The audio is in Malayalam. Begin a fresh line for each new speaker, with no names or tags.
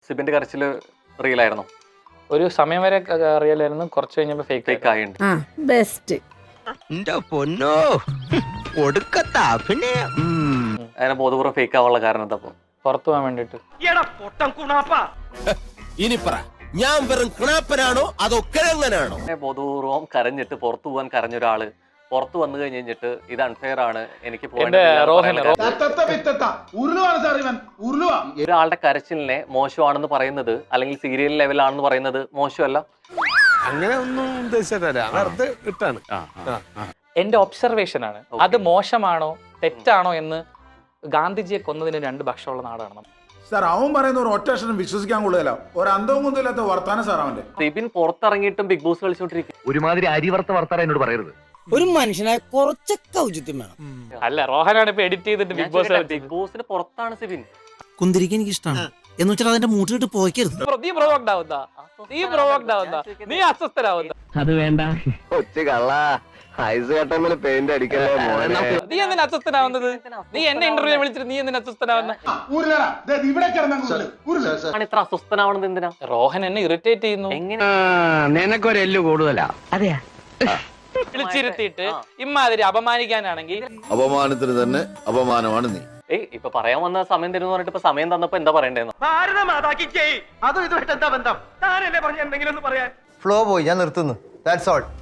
സിബിന്റെ കരച്ചില് റിയൽ ആയിരുന്നു?
ഒരു സമയം വരെ അറിയാലായിരുന്നു, കുറച്ച് കഴിഞ്ഞപ്പോ ഫേക്ക്
ആയിട്ടുണ്ട്.
ബെസ്റ്റ്.
പൊന്നോ
അതിനെ ബോധപൂർവ്വം ഫേക്ക് ആവാനുള്ള കാരണം എന്താ?
പുറത്തു പോകാൻ വേണ്ടിട്ട്.
ഇനി പറ, ഞാൻ വെറും കുണാപ്പനാണോ അതോ കിഴങ്ങനാണോ?
ബോധപൂർവ്വം കരഞ്ഞിട്ട് പുറത്തു പോകാൻ കരഞ്ഞ ഒരാള് പുറത്തു വന്നു കഴിഞ്ഞിട്ട് ഇത് അൺഫെയർ ആണ്, എനിക്ക് ഒരാളുടെ കരച്ചിലിനെ മോശമാണെന്ന് പറയുന്നത് അല്ലെങ്കിൽ സീരിയൽ ലെവലാണെന്ന് പറയുന്നത് മോശമല്ല.
അങ്ങനെ ഒന്നും ഉദ്ദേശിച്ചിട്ടല്ല, വെറുതെ ഇട്ടാണ്.
എന്റെ ഒബ്സർവേഷൻ ആണ്. അത് മോശമാണോ തെറ്റാണോ എന്ന് ഗാന്ധിജിയെ കൊന്നതിന് 2 പക്ഷമുള്ള നാടാണ്
സാർ. അവൻ പറയുന്ന ഒരു ഒറ്റ അക്ഷരം വിശ്വസിക്കാൻ കൊള്ളുകയില്ല. ഒരു അന്തവും കൊന്നില്ലാത്ത വർത്താനം സാർ അവന്റെ.
സിബിൻ പുറത്തിറങ്ങിയിട്ടും ബിഗ് ബോസ് കളിച്ചോണ്ടിരിക്കും.
ഒരുമാതിരി അരിവർത്ത വർത്താനം എന്നോട് പറയരുത്.
ഒരു മനുഷ്യനെ കുറച്ചൊക്കെ ഔചിത്യം വേണം.
അല്ല, റോഹനാണ് ഇപ്പൊ എഡിറ്റ് ചെയ്തിട്ട് ബിഗ്
ബോസിന് പുറത്താണ് സിബിൻ.
കുന്തിരിക്കാൻ എനിക്ക് ഇഷ്ടമാണ് എന്ന് വെച്ചാൽ അതിന്റെ മൂട്ടിലിട്ട് പോയിക്കരുത്.
നീ പ്രൊവോക്ഡ് ആവുന്ന, നീ അസ്വസ്ഥനാവുന്ന.
അത് വേണ്ട.
നീ എന്തിനാ അസ്വസ്ഥനാവുന്നത്? നീ എന്നെ ഇന്റർവ്യൂ വിളിച്ചിട്ട് നീ എന്തിനാ അസ്വസ്ഥനാവുന്ന?
ഇത്ര അസ്വസ്ഥനാവണത് എന്തിനാ?
റോഹൻ എന്നെ ഇറിറ്റേറ്റ് ചെയ്യുന്നു.
എങ്ങനെ?
നിനക്കൊരു എല്ല് കൂടുതലാ.
അതെയാ?
വിളിച്ചിരുത്തിയിട്ട് ഇമ്മാതിരി അപമാനിക്കാനാണെങ്കിൽ
അപമാനത്തിന് തന്നെ അപമാനമാണ് നീ.
ഇപ്പൊ പറയാൻ വന്ന സമയം തരുന്ന പറഞ്ഞിട്ട് ഇപ്പൊ സമയം തന്നപ്പോ എന്താ പറയണ്ടേന്ന്?
ഫ്ലോ പോയി, ഞാൻ നിർത്തുന്നു. That's all.